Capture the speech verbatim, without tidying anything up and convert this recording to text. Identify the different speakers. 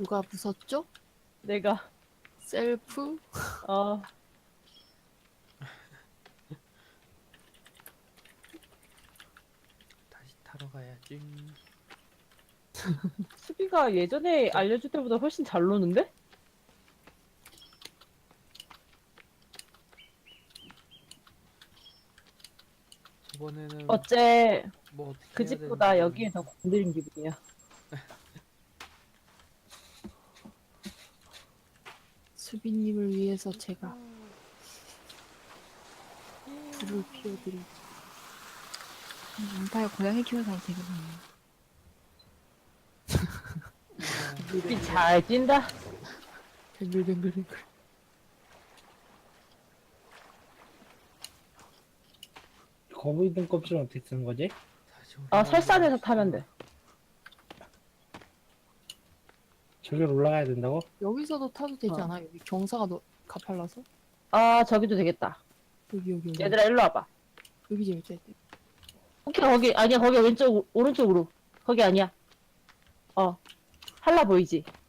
Speaker 1: 누가 부쉈죠?
Speaker 2: 내가.
Speaker 1: 셀프?
Speaker 2: 어.
Speaker 3: 다시 타러 가야지.
Speaker 2: 수비가 예전에 알려줄 때보다 훨씬 잘 노는데?
Speaker 3: 저번에는
Speaker 2: 어째
Speaker 3: 뭐 어떻게
Speaker 2: 그
Speaker 3: 해야
Speaker 2: 집보다
Speaker 3: 되는지
Speaker 2: 여기에 더
Speaker 3: 모르겠는데.
Speaker 2: 건드린 기분이야.
Speaker 1: 수비님을 위해서 제가 불을 피워드리죠.
Speaker 4: 양파에 고양이 키워서 되거든요.
Speaker 2: 수비 잘 뛴다.
Speaker 1: 뱅글뱅글뱅글.
Speaker 5: 거북이 등껍질은 어떻게 쓰는 거지?
Speaker 3: 다시 우리
Speaker 2: 아, 설산에서 타면 돼.
Speaker 5: 저기로 올라가야 된다고?
Speaker 1: 여기서도 타도 되지
Speaker 2: 어.
Speaker 1: 않아? 여기 경사가 너, 가팔라서?
Speaker 2: 아, 저기도 되겠다.
Speaker 1: 여기 여기 여기.
Speaker 2: 얘들아, 일로 와봐.
Speaker 1: 여기 재밌다. 여기.
Speaker 2: 오케이, 거기, 아니야, 거기 왼쪽, 오른쪽으로. 거기 아니야. 어. 할라 보이지?